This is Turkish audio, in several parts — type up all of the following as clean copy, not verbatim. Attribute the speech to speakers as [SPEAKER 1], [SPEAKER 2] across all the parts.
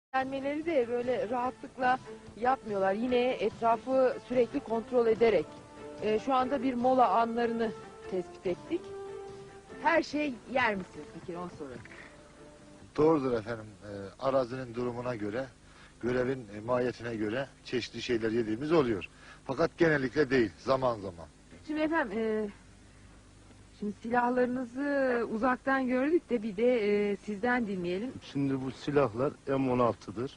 [SPEAKER 1] Gelmeleri de böyle rahatlıkla yapmıyorlar. Yine etrafı sürekli kontrol ederek. Şu anda bir mola anlarını tespit ettik. Her şey yer misiniz peki, onu sorayım.
[SPEAKER 2] Doğrudur efendim. Arazinin durumuna göre, görevin mahiyetine göre çeşitli şeyler yediğimiz oluyor. Fakat genellikle değil, zaman zaman.
[SPEAKER 1] Şimdi efendim, şimdi silahlarınızı uzaktan gördük de bir de sizden dinleyelim.
[SPEAKER 3] Şimdi bu silahlar M16'dır.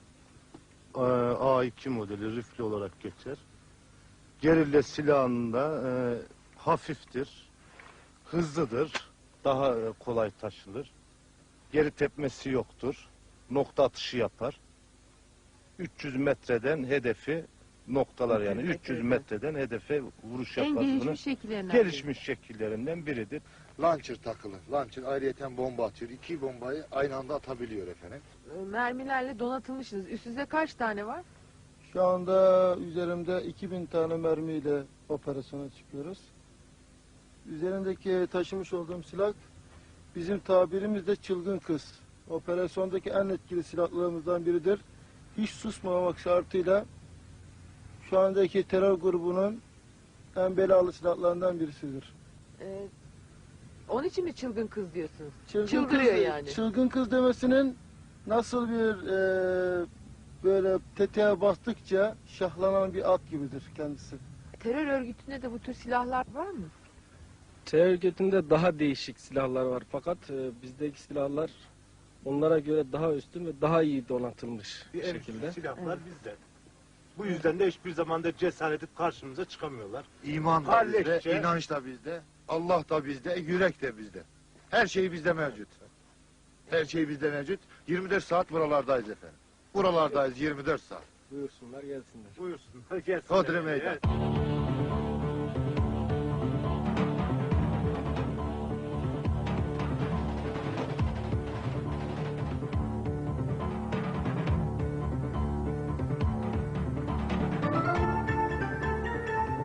[SPEAKER 3] A2 modeli rifle olarak geçer. Gerilla silahında hafiftir, hızlıdır, daha kolay taşınır. Geri tepmesi yoktur, nokta atışı yapar. 300 metreden hedefi noktalar, yani 300 metreden hedefe vuruş
[SPEAKER 1] En
[SPEAKER 3] yapar.
[SPEAKER 1] gelişmiş şekillerinden.
[SPEAKER 3] Gelişmiş şekillerinden biridir.
[SPEAKER 2] Launcher takılı. Launcher ayrıyeten bomba atıyor. 2 bombayı aynı anda atabiliyor efendim.
[SPEAKER 1] Mermilerle donatılmışsınız. Üstünüzde kaç tane var?
[SPEAKER 4] Şu anda üzerimde 2000 tane mermiyle operasyona çıkıyoruz. Üzerimdeki taşımış olduğum silah bizim tabirimizde çılgın kız. Operasyondaki en etkili silahlarımızdan biridir. Hiç susmamak şartıyla şu andaki terör grubunun en belalı silahlarından birisidir.
[SPEAKER 1] Onun için mi çılgın kız diyorsunuz?
[SPEAKER 4] Çılgın
[SPEAKER 1] Çıldırıyor
[SPEAKER 4] kız,
[SPEAKER 1] yani.
[SPEAKER 4] Çılgın kız demesinin nasıl bir böyle tetiğe bastıkça şahlanan bir at gibidir kendisi.
[SPEAKER 1] Terör örgütünde de bu tür silahlar var mı?
[SPEAKER 5] Terör örgütünde daha değişik silahlar var fakat bizdeki silahlar onlara göre daha üstün ve daha iyi donatılmış bir şekilde.
[SPEAKER 6] Silahlar bizde. Bu yüzden de hiçbir zaman da cesaret edip karşımıza çıkamıyorlar.
[SPEAKER 2] İman da bizde, inanç da bizde, Allah da bizde, yürek de bizde. Her şey bizde mevcut. Her şey bizde mevcut. 24 saat buralardayız efendim. Buralardayız 24 saat.
[SPEAKER 5] Buyursunlar gelsinler.
[SPEAKER 6] Buyursunlar gelsinler.
[SPEAKER 2] Hodri meydan.
[SPEAKER 6] Evet.